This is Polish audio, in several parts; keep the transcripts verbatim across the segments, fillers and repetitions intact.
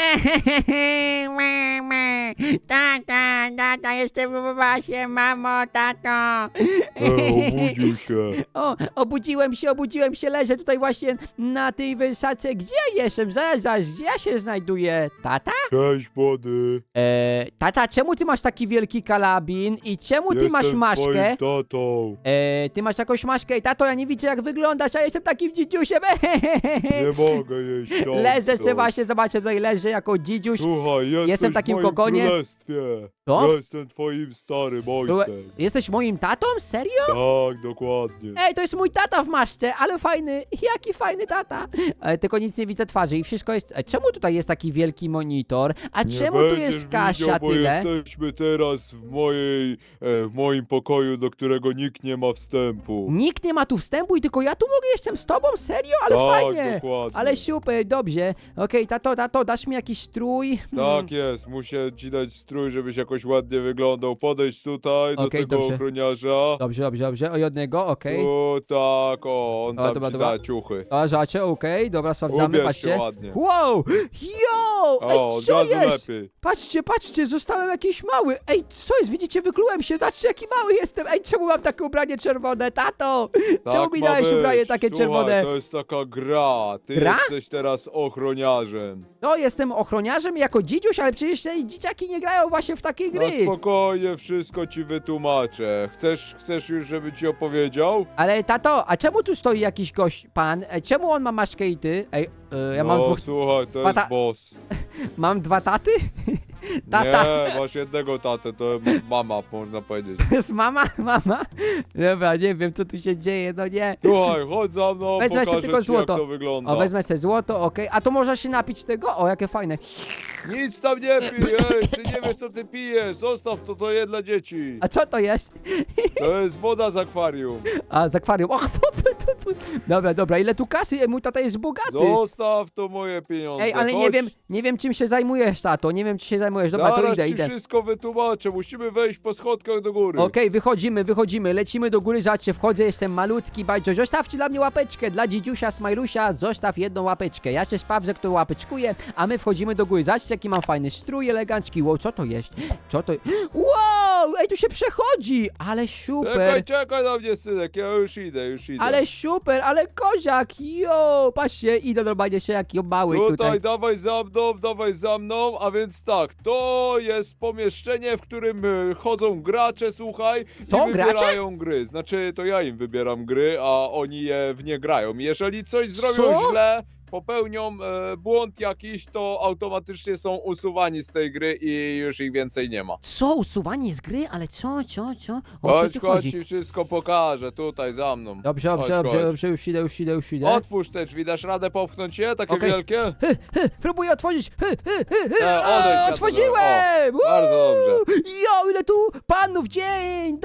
Mama, tata, tata, jestem w basie, mamo, tato. E, obudził się. O, obudziłem się, obudziłem się, leżę tutaj właśnie na tej wysadzce. Gdzie ja jestem? Zaraz, zaraz, gdzie ja się znajduję? Tata? Cześć, młody. Eee, tata, czemu ty masz taki wielki karabin i czemu ty Jestem masz maszkę? twoim tatą. Eee, ty masz jakąś maszkę i tato, ja nie widzę jak wyglądasz, a jestem takim dzidziusiem. Nie mogę jeść ciągle. Leżę, jeszcze właśnie, zobaczę, tutaj leżę jako dzidziuś. Słuchaj, jesteś Jestem w takim w moim kokonie. królestwie. Co? Jestem twoim starym ojcem. Jesteś moim tatą? Serio? Tak, dokładnie. Ej, to jest mój tata w maszce, ale fajny, jaki fajny tata. E, tylko nic nie widzę twarzy i wszystko jest... E, czemu tutaj jest taki wielki monitor? A Nie czemu tu będziesz jest Kasia widział, bo tyle? jesteśmy teraz w mojej, e, w moim pokoju, do którego nikt nie ma wstępu. Nikt nie ma tu wstępu i tylko ja tu mogę, jestem z tobą? Serio? Ale Tak, fajnie. dokładnie. Ale super, dobrze. Okej, tato, tato, dasz mi jakiś strój? Hmm. Tak jest, muszę ci dać strój, żebyś jakoś ładnie wyglądał. Podejdź tutaj do Okej, tego dobrze. ochroniarza. Dobrze, dobrze, dobrze. O jednego, okej. O tak, o, on O, tam dobra, ci dobra. da ciuchy. A, żacie, okej, dobra, sprawdzamy, Ubierz się patrzcie. ładnie. Wow! Yo! Ej, O, od co razu jest? lepiej. Patrzcie, patrzcie, zostałem jakiś mały. Ej, co jest? Widzicie, wyklułem się. Zobaczcie, jaki mały jestem. Ej, czemu mam takie ubranie czerwone, tato? Czemu Tak mi ma dałeś być. ubranie takie Słuchaj, czerwone? to jest taka gra. Ty Gra? jesteś teraz ochroniarzem. No, jestem ochroniarzem jako dzidziuś, ale przecież te dzieciaki nie grają właśnie w takie Na gry. spokojnie wszystko ci wytłumaczę. Chcesz, chcesz już, żeby ci opowiedział? Ale tato, a czemu tu stoi jakiś gość, pan? Ej, czemu on ma maszkę i ty? Ej, y, ja no, mam dwóch... słuchaj, to Tata- jest boss. Mam dwa taty? Tata. Nie, masz jednego tatę, to mama, można powiedzieć. To jest mama? Mama? Dobra, nie wiem, co tu się dzieje, no nie. Słuchaj, chodź za mną, Wezmę sobie pokażę tylko ci, złoto. jak to wygląda. O, wezmę sobie złoto, okej. A to można się napić tego? O, jakie fajne. Nic tam nie pij, ej, ty nie wiesz, co ty pijesz. Zostaw to, to je dla dzieci. A co to jest? To jest woda z akwarium. A, z akwarium. Och, co to, to, to. Dobra, dobra, ile tu kasy? Ej, mój tata jest bogaty. Zostaw to moje pieniądze. Ej, ale nie Chodź. wiem, nie wiem czym się zajmujesz, tato. Nie wiem, czy się zajmujesz. Dobra, to Zaraz idę, ci idę. wszystko wytłumaczę. Musimy wejść po schodkach do góry. Okej, wychodzimy, wychodzimy, lecimy do góry, zobaczcie, wchodzę, jestem malutki, bajdzo, zostawcie dla mnie łapeczkę, dla dzidziusia, Smajlusia, zostaw jedną łapeczkę, ja się sprawdzę, kto łapeczkuje, a my wchodzimy do góry, zobaczcie, jaki mam fajny strój elegancki, wow, co to jest, co to wow, ej, tu się przechodzi, ale super, Czekaj, czekaj na mnie, synek, ja już idę, już idę. ale super, ale koziak, jo, patrzcie, idę normalnie się, jaki mały Tutaj, tutaj. dawaj za mną, dawaj za mną, a więc tak, to jest pomieszczenie, w którym e, chodzą gracze, słuchaj, To i gracze? wybierają gry. Znaczy, to ja im wybieram gry, a oni je w nie grają. Jeżeli coś zrobią Co? źle, popełnią e, błąd jakiś, to automatycznie są usuwani z tej gry i już ich więcej nie ma. Co, usuwanie z gry, ale co, co, co, o co Chodź, tu chodź, chodzi? ci wszystko pokażę, tutaj za mną. Dobrze, dobrze, Chodź, dobrze, chodź. dobrze, już idę, już idę, już idę. Otwórz te drzwi, dasz radę popchnąć je, takie Okej. wielkie? Hy, hy, próbuję otworzyć. Hy, hy, hy, hy. E, odejdź, A, ja to otworzyłem! zrobię. O, bardzo Uuu. dobrze. Jo, ile tu panów! Dzień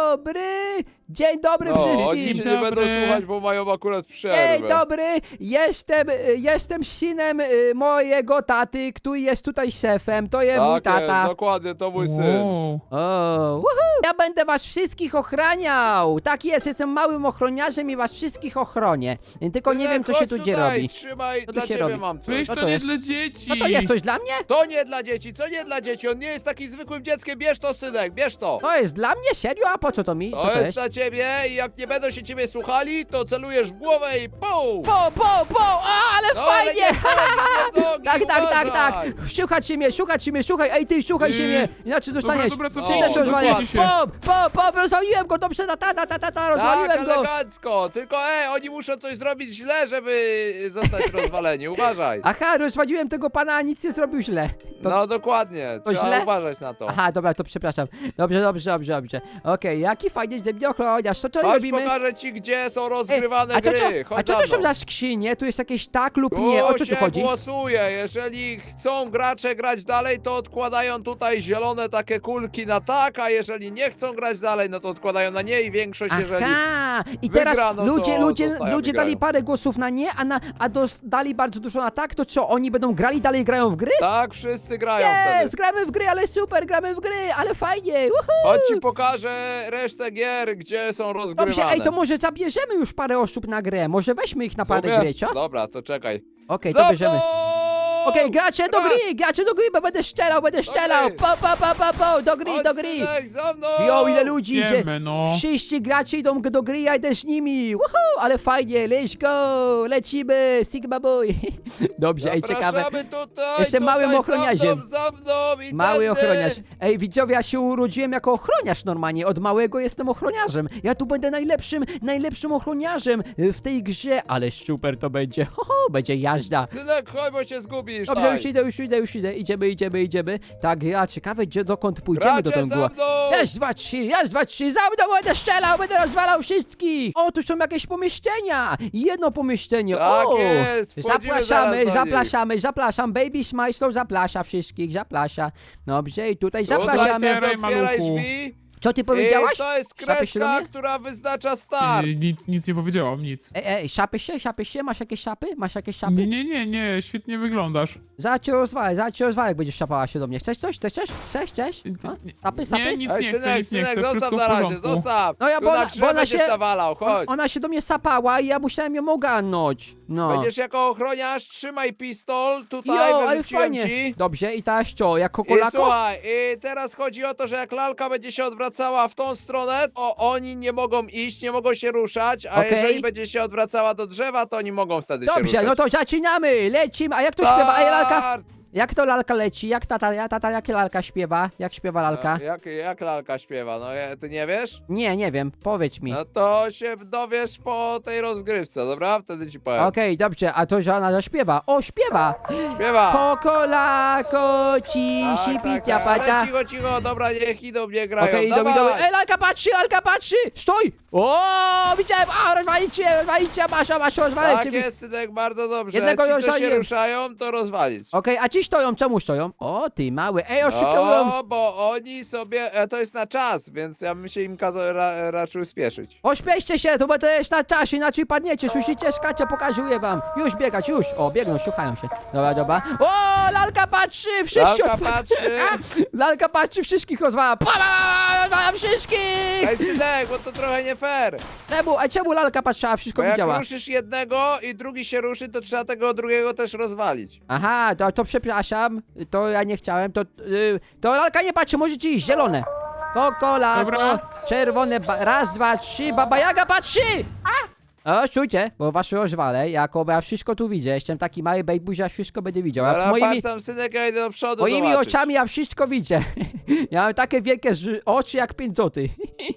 dobry! Dzień dobry No, oni wszystkim! cię nie będą Dobry. słuchać, bo mają akurat Dzień przerwę. dobry! Jestem, y, jestem synem y, mojego taty, który jest tutaj szefem. To jest mój Tak jest, tata. dokładnie, to mój syn. Wow. O, woohoo. Ja będę was wszystkich ochraniał! Tak jest, jestem małym ochroniarzem i was wszystkich ochronię. Tylko nie wiem, co się Chodź tu dzieje tutaj, robi. Trzymaj, Co tu dla się ciebie robi? mam coś. Weź Co to, to nie jest? dla dzieci. No to jest coś dla mnie? To nie dla dzieci, to nie dla dzieci, on nie jest takim zwykłym dzieckiem, bierz to, synek, bierz to. To jest dla mnie? Serio? A po co to mi? Co To to jest jest? dla ciebie i jak nie będą się ciebie słuchali, to celujesz w głowę i pum! Po, po, po! A, ale No, ale fajnie! nie w nogi, nie w nogi, Tak, tak, tak, tak! uważaj. Słuchać się mnie, słuchać się mnie, słuchaj! Ej, ty, słuchaj się Yy, mnie! Inaczej dostaniesz! Dobra, dobra, No, co Ty też no, rozwalisz! rozwali się. Po, po, po, rozwaliłem go! Dobrze, ta, ta, ta, ta, ta, ta, Tak, rozwaliłem go! elegancko, tylko e, oni muszą coś zrobić źle, żeby zostać rozwaleni, uważaj. Aha, rozwaliłem tego pana, a nic nie zrobił źle. To... No dokładnie, to trzeba źle? uważać na to. Aha, dobra, to przepraszam. Dobrze, dobrze, dobrze, dobrze. Okej, jaki fajnie, że mnie ochroniarz. To co Chodź, robimy? pokażę ci, gdzie są Ej, rozgrywane a co to, gry, a chodź co za to są mną. za skrzynie? Tu jest jakieś tak lub nie, o co tu się chodzi? głosuje, jeżeli chcą gracze grać dalej, to odkładają tutaj zielone takie kulki na tak, a jeżeli nie chcą grać dalej, no to odkładają na nie i większość, jeżeli... Aha, i teraz wygrano, ludzie, to ludzie, zostają, ludzie wygrają. dali parę głosów na nie, a, na, a dos, dali bardzo dużo na tak, to co, oni będą grali, dalej grają w gry? Tak, wszyscy grają Jest, wtedy. gramy w gry, ale super, gramy w gry, ale fajnie, woohoo! Chodź ci pokażę resztę gier, gdzie są rozgrywane. Dobrze, ej, to może zabierzemy już parę osób na grę, może weźmie ich na parę Sobie? gry, co? Okej, Dobra, to czekaj. to Za bierzemy. mną! Okej, gracze do Raz. gry, gracze do gry, bo będę strzelał, będę strzelał. Okej. Po, po, po, po, po, do gry, Chodź, do gry. synek, za mną! Jo, ile ludzi idzie. Idziemy, no. Wszyscy gracze idą do gry, ja idę z nimi. Woohoo, ale fajnie, let's go, lecimy, Sigma Boy. Dobrze, ej, ciekawe. Zapraszamy tutaj, Jestem tutaj, małym ochroniarzem. Za mną, za mną i Mały tędy. ochroniarz. Ej, widzowie, ja się urodziłem jako ochroniarz normalnie. Od małego jestem ochroniarzem. Ja tu będę najlepszym, najlepszym ochroniarzem y, w tej grze. Ale super to będzie. Ho, ho, będzie jazda. Synek, chodź, bo się zgubisz. Dobrze, daj. już idę, już idę, już idę. Idziemy, idziemy, idziemy. Tak, ja ciekawe, gdzie, dokąd pójdziemy do Gracze tego. za mną! Raz, dwa, trzy, raz, dwa, trzy, za mną będę strzelał, będę rozwalał wszystkich! O, tu są jakieś pomieszczenia! Jedno pomieszczenie, Tak o! jest, wchodzimy Zapraszamy, zaraz do nich. zapraszamy, zapraszam, Baby Smajslow zaprasza wszystkich, zaprasza. Dobrze, i tutaj Tutaj zapraszamy. nie Otwieraj, otwieraj maluchu. drzwi. Co ty powiedziałaś? I to jest Szapy się do kreska, mnie? która wyznacza start. Ej, Nic, nic nie powiedziałam, nic. Ej, ej, szapy się, szapy się, masz jakieś szapy? Masz jakieś szapy? Nie, nie, nie, nie, świetnie wyglądasz. Zaraz cię rozwalę, zaraz cię rozwalę, jak będziesz szapała się do mnie. Chcesz coś? Chcesz coś? Chcesz? Chcesz? A? Szapy, szapy? Nie, nic Ej, nie chcę, synek, nic nie synek, chcę, zostaw wszystko w na razie, porządku. zostaw. No ja, Tu bo na ona- drzewo bo ona będziesz się- nawalał, chodź. Ona się do mnie sapała i ja musiałem ją ogarnąć. No. Będziesz jako ochroniarz, trzymaj pistol, tutaj Jo, ale wyrzuciłem fajnie. ci. Dobrze, i teraz co, jako I kolako? słuchaj, i teraz chodzi o to, że jak lalka będzie się odwracała w tą stronę, to oni nie mogą iść, nie mogą się ruszać, a Okej. jeżeli będzie się odwracała do drzewa, to oni mogą wtedy się Dobrze, ruszać. no to zaczynamy, lecimy. A jak to śpiewa? Ej, lalka? Start! Jak to lalka leci? Jak tata, ja- tata, jak lalka śpiewa? Jak śpiewa lalka? No, jak, jak lalka śpiewa? No ja- ty nie wiesz? Nie, nie wiem, powiedz mi. No to się dowiesz po tej rozgrywce, dobra? Wtedy ci powiem. Okej, dobrze, a to, że ona zaśpiewa. O, śpiewa! Śpiewa! Kokolako, ci, Tak, si, tak, picia, tak, ale pacia. cicho, cicho, dobra, niech idą, nie grają, Okej, idą, dawaj! idą. Ej, lalka patrzy, lalka patrzy! Stój! O, widziałem! A, rozwalicie, rozwalicie, masz, masz, rozwalę Tak ciebie. jest, synek, bardzo dobrze. Jednego Ci, co się rozwaliłem. ruszają, to rozwalić. Okej, a ci stoją, czemu stoją? O, ty mały, ej, oszukują. O, bo oni sobie, e, to jest na czas, więc ja bym się im kazał ra, raczył spieszyć. Ośpieście się, to bo to jest na czas, inaczej padniecie, słyszycie? Skacie, pokazuję wam. Już biegać, już. O, biegną, szukają się. Dobra, dobra. O, lalka patrzy, wszyscy Lalka odpa- patrzy. Lalka patrzy, wszystkich rozwala. Pa, pa, pa, rozwala wszystkich! Ej, synek, bo to trochę nie fair. Czemu, a czemu lalka patrzyła, wszystko Bo jak widziała? ruszysz jednego i drugi się ruszy, to trzeba tego drugiego też rozwalić. Aha, to, to przepraszam, to ja nie chciałem, to, y, to lalka nie patrzy, możecie iść, zielone. Kokolako, Dobra. czerwone, ba- raz, dwa, trzy, baba Jaga patrzy! O, czujcie, bo was rozwalę, jako bo ja wszystko tu widzę, jestem taki mały bejbuś, ja wszystko będę widział, a Ale moimi, patrz tam, synek, ja idę do przodu moimi zobaczyć. oczami ja wszystko widzę. Ja mam takie wielkie ż- oczy jak pięć złotych.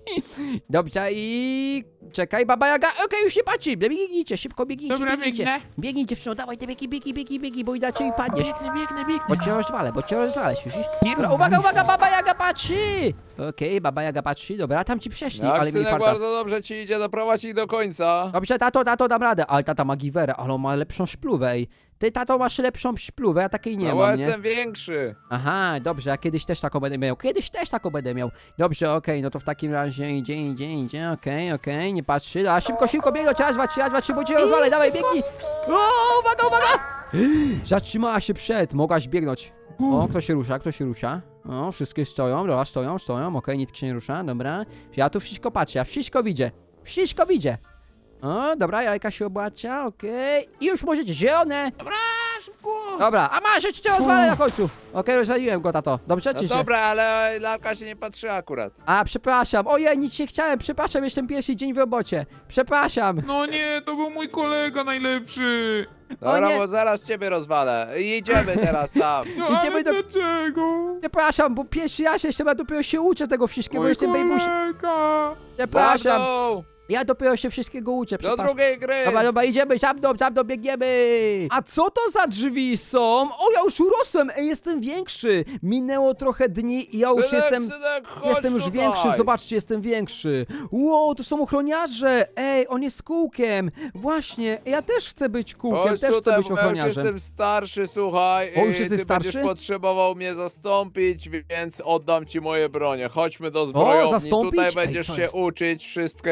Dobrze, i czekaj, baba Jaga, okej, już nie patrzy, biegnijcie, szybko biegnijcie, Dobra, biegnijcie. biegnę. Biegnij dziewczyno, dawaj te biegi, biegi, biegi, biegi, bo inaczej padniesz. Biegnę, biegnę, biegnę. Bo cię rozwalę, bo cię rozwalę, słyszysz? Nie Dobra, rozwal uwaga, się. uwaga, baba Jaga patrzy! Okej, baba Jaga patrzy, dobra, tam ci przeszli, Jak ale mi synek farta. bardzo dobrze ci idzie, doprowadź ich do końca. Dobrze, tato, tato, dam radę, ale tata ma giwerę, ale on ma lepszą szpluwę, ej. Ty, tato, masz lepszą szpluwę, ja takiej nie No bo mam, nie? jestem większy. Aha, dobrze, ja kiedyś też taką będę miał, kiedyś też taką będę miał. Dobrze, okej, no to w takim razie idzie, idzie, idzie, okej, okej, nie patrzy, a szybko, szybko, biegną, raz, dwa, trzy, raz, dwa, trzy, bo cię rozwalę, dawaj, biegnij! O, uwaga, uwaga! Zatrzymała się przed, mogłaś biegnąć. O, kto się rusza, kto się rusza? O, wszystkie stoją, dobra, stoją, stoją, okej, nic się nie rusza, dobra. Ja tu wszystko patrzę, ja wszystko widzę, wszystko widzę. O, dobra, jajka się obłacia, okej. I już możecie, zielone! A, szybko. Dobra, a masz, jeszcze cię rozwalę na końcu. Okej, rozwaliłem go, tato. Dobrze, No czy się? dobra, ale lalka się nie patrzy akurat. A, przepraszam, ojej, nic nie chciałem, przepraszam, jestem pierwszy dzień w robocie. Przepraszam. No nie, to był mój kolega najlepszy. Dobra, nie. bo zaraz ciebie rozwalę. I idziemy teraz tam. No Idziemy ale do- dlaczego? Przepraszam, bo pierwszy raz jestem, ja dopiero się uczę tego wszystkiego, Mój jestem bejbuś. kolega. Za Przepraszam, mną! ja dopiero się wszystkiego uczę, Do przepraszam. drugiej gry! Dobra, dobra, idziemy, za mną, za mną, biegniemy! A co to za drzwi są? O, ja już urosłem, ej, jestem większy! Minęło trochę dni i ja już synek, jestem... synek, chodź Jestem już tutaj. większy, zobaczcie, jestem większy. Wow, to są ochroniarze! Ej, on jest kółkiem! Właśnie, ja też chcę być kółkiem, Chodź też chcę tutaj, być bo ja już ochroniarzem. jestem starszy, słuchaj. O, już i jesteś ty starszy? będziesz potrzebował mnie zastąpić, więc oddam ci moje bronie. Chodźmy do zbrojowni, zastąpić? tutaj Ej, będziesz co się jest? uczyć wszystkiego.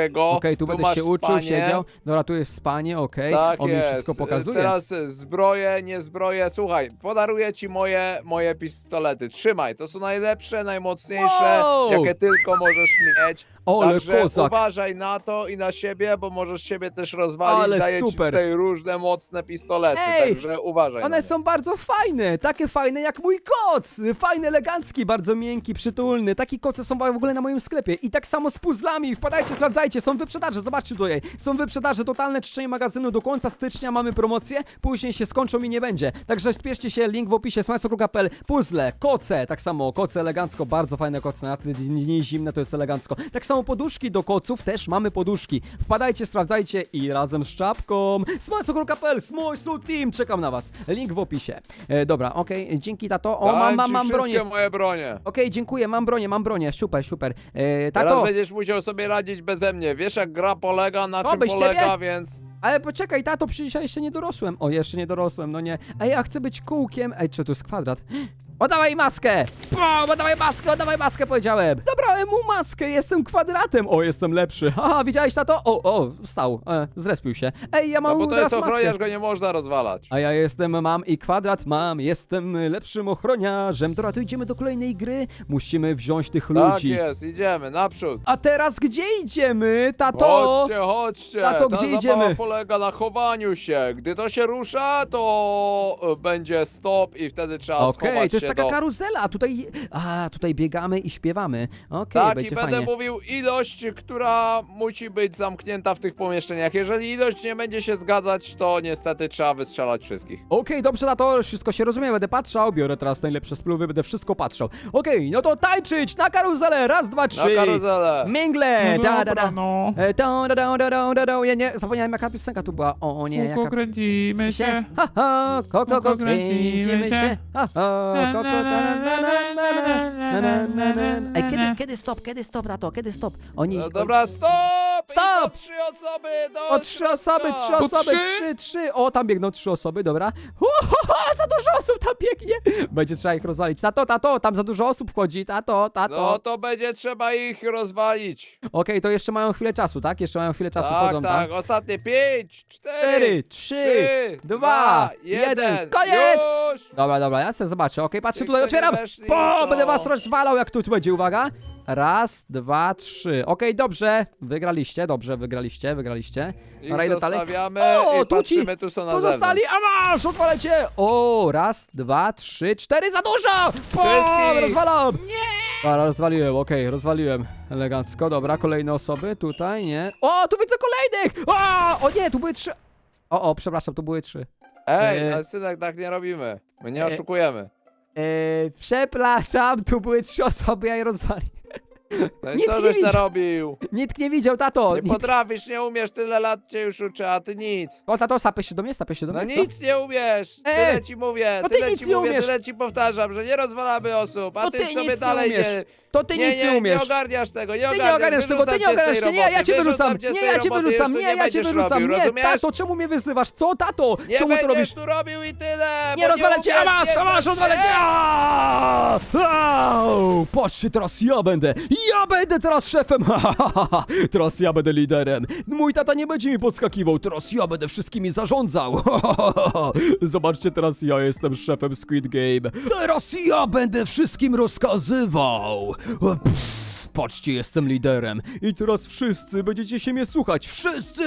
Okej, tu Tu będę masz się uczył, spanie. siedział. Dobra, tu jest spanie, okej. Tak On mi jest. wszystko pokazuje. Teraz e, zbroje, nie zbroje. Słuchaj, podaruję ci moje, moje pistolety. Trzymaj, to są najlepsze, najmocniejsze, Wow! jakie tylko możesz mieć. Ole Także kozak. uważaj na to i na siebie, bo możesz siebie też rozwalić. Ale Daję ci super. tutaj różne mocne pistolety, Ej, także uważaj na One nie. są bardzo fajne, takie fajne jak mój koc. Fajny, elegancki, bardzo miękki, przytulny. Taki koce są w ogóle na moim sklepie. I tak samo z puzzlami. Wpadajcie, sprawdzajcie, są wyprzedaże, zobaczcie tutaj. Są wyprzedaże, totalne czyszczenie magazynu. Do końca stycznia mamy promocję, później się skończą i nie będzie. Także spieszcie się, link w opisie, smajso kropka p l. Puzzle, koce, tak samo, koce elegancko, bardzo fajne koce. Na te dni zimne to jest elegancko. Tak samo poduszki do koców, też mamy poduszki. Wpadajcie, sprawdzajcie i razem z czapką. smajso kropka p l, Smajso Team, czekam na was. Link w opisie. E, dobra, okej, dzięki tato. O, Dam mam, mam, ci mam wszystkie bronię. moje bronie. Okej, dziękuję, mam bronię, mam bronię, super, super. E, Teraz tato, będziesz musiał sobie radzić beze mnie. Wiesz jak gra polega, na O, czym bez polega, ciebie? więc... ale poczekaj, tato, przecież ja jeszcze nie dorosłem. O, jeszcze nie dorosłem, no nie. Ej, ja chcę być kółkiem. Ej, czy to jest kwadrat? Oddawaj maskę! O, oddawaj maskę, oddawaj maskę, powiedziałem. Zabrałem mu maskę, jestem kwadratem. O, jestem lepszy. Haha, widziałeś tato? O, o, stał, e, zrespił się. Ej, ja mam No bo to teraz jest maskę. ochroniarz, go nie można rozwalać. A ja jestem, mam i kwadrat mam, jestem lepszym ochroniarzem. Dobra, to idziemy do kolejnej gry. Musimy wziąć tych Tak ludzi. jest, idziemy, naprzód. A teraz gdzie idziemy, tato? Chodźcie, chodźcie. Tato, Ta gdzie zabawa idziemy? polega na chowaniu się. Gdy to się rusza, to e, będzie stop i wtedy trzeba Okej, schować to jest się taka do... karuzela, a tutaj, a tutaj biegamy i śpiewamy. Okej, Tak, i będzie będę fajnie. mówił ilość, która musi być zamknięta w tych pomieszczeniach. Jeżeli ilość nie będzie się zgadzać, to niestety trzeba wystrzelać wszystkich. Okej, dobrze na to, wszystko się rozumie, będę patrzał, biorę teraz najlepsze spluwy, będę wszystko patrzał. Okej, no to tańczyć na karuzelę, raz, dwa, Na trzy. karuzelę. Mingle, No da, da, dobra, da. no. E, da, da, da, da, da, da, da. Ja nie, zapomniałem jaka piosenka tu była. O, o nie, Kółko jaka... kręcimy się. Ha, ha, koko, Kółko koko, kręcimy kręcimy się. się. Ha, ha, koko, ta, na, na, na, na, na, na, na, na. Ej, kiedy, kiedy stop, kiedy stop na to, kiedy stop? Oni... No dobra, stop! Stop! I po trzy osoby do O, trzy osoby, trzy Po osoby, trzy? trzy, trzy. O, tam biegną trzy osoby, dobra. Hu, hu, hu, za dużo osób tam biegnie. Będzie trzeba ich rozwalić. Tato, tato, tam za dużo osób wchodzi. Tato, tato. No to będzie trzeba ich rozwalić. Okej, to jeszcze mają chwilę czasu, tak? Jeszcze mają chwilę czasu, Tak, chodzą tak, tam. ostatnie pięć, cztery, Cztery, trzy, dwa, jeden. Koniec! Już! Dobra, dobra, ja sobie zobaczę. Okej, patrzcie, Tych, tutaj co nie otwieram. weszli, Po, to- będę was rozwalał, jak tu będzie, uwaga. Raz, dwa, trzy. Okej, dobrze. Wygraliście, dobrze, wygraliście, wygraliście. Ich Dobra, idę dalej. zostawiamy O, i tu ci- patrzymy, tu są na Tu zewnątrz. zostali, a masz, otwalecie! O, raz, dwa, trzy, cztery, za dużo! Po, Wszystkich! rozwalam! Nie! Dobra, rozwaliłem, okej, rozwaliłem. Elegancko, dobra, kolejne osoby, tutaj, nie. O, tu widzę kolejnych! O, o nie, tu były trzy. O, o, przepraszam, tu były trzy. Ej, E, ale synek, tak nie robimy. My nie e, oszukujemy. Eee, przepraszam, tu były trzy osoby, ja je rozwaliłem. No i nikt co nie żeś widział. narobił? Nikt nie widział, tato. Nie Nikt... potrafisz, nie umiesz, tyle lat cię już uczę, a ty nic. O, tato, sapy się do mnie, sapy się do No mnie. co? nic nie umiesz, Ej, tyle ci mówię, no ty tyle nic ci nie mówię, umiesz. tyle ci powtarzam, że nie rozwalamy osób, a No ty, ty sobie nic nie dalej umiesz. nie... To ty nie, nic nie, nie umiesz. nie ogarniasz tego, nie Ty ogarniasz, nie ogarniasz tego, ty nie wyrzucam cię ogarniasz z tej tego, nie, ja roboty, cię wyrzucam, wyrzucam cię z nie, tej ja cię roboty, wyrzucam, już tu nie, ja cię będziesz wyrzucam, robił, nie, rozumiesz? tato, czemu mnie wyzywasz, co, tato? Nie Czemu to będziesz robisz? tu robił i tyle, Nie bo rozwalę cię, a umiesz, masz, nie a masz, znasz rozwalę się. cię! Aaa! Au! Patrzcie, teraz ja będę, ja będę teraz szefem, teraz ja będę liderem. Mój tata nie będzie mi podskakiwał, teraz ja będę wszystkimi zarządzał. Zobaczcie, teraz ja jestem szefem Squid Game. Teraz ja będę wszystkim rozkazywał. Pff. Patrzcie, jestem liderem. I teraz wszyscy będziecie się mnie słuchać. Wszyscy!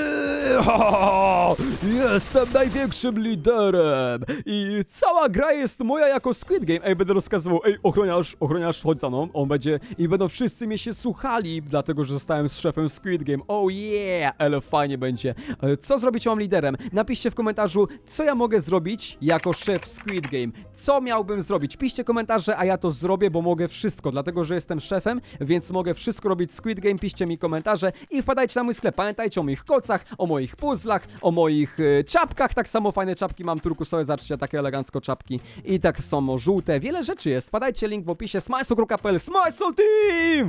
Jestem największym liderem. I cała gra jest moja jako Squid Game. Ej, będę rozkazywał. Ej, ochroniarz, ochroniarz, chodź za mną. On będzie... I będą wszyscy mnie się słuchali, dlatego, że zostałem z szefem Squid Game. Oh yeah! Ale fajnie będzie. Ale co zrobić mam liderem? Napiszcie w komentarzu, co ja mogę zrobić jako szef Squid Game. Co miałbym zrobić? Piszcie komentarze, a ja to zrobię, bo mogę wszystko. Dlatego, że jestem szefem, więc mogę wszystko robić Squid Game. Piszcie mi komentarze i wpadajcie na mój sklep. Pamiętajcie o moich kocach, o moich puzzlach, o moich y, czapkach. Tak samo fajne czapki mam turkusowe, zobaczcie, takie elegancko czapki. I tak samo żółte. Wiele rzeczy jest. Wpadajcie, link w opisie. smajso kropka p l, Smajso Team!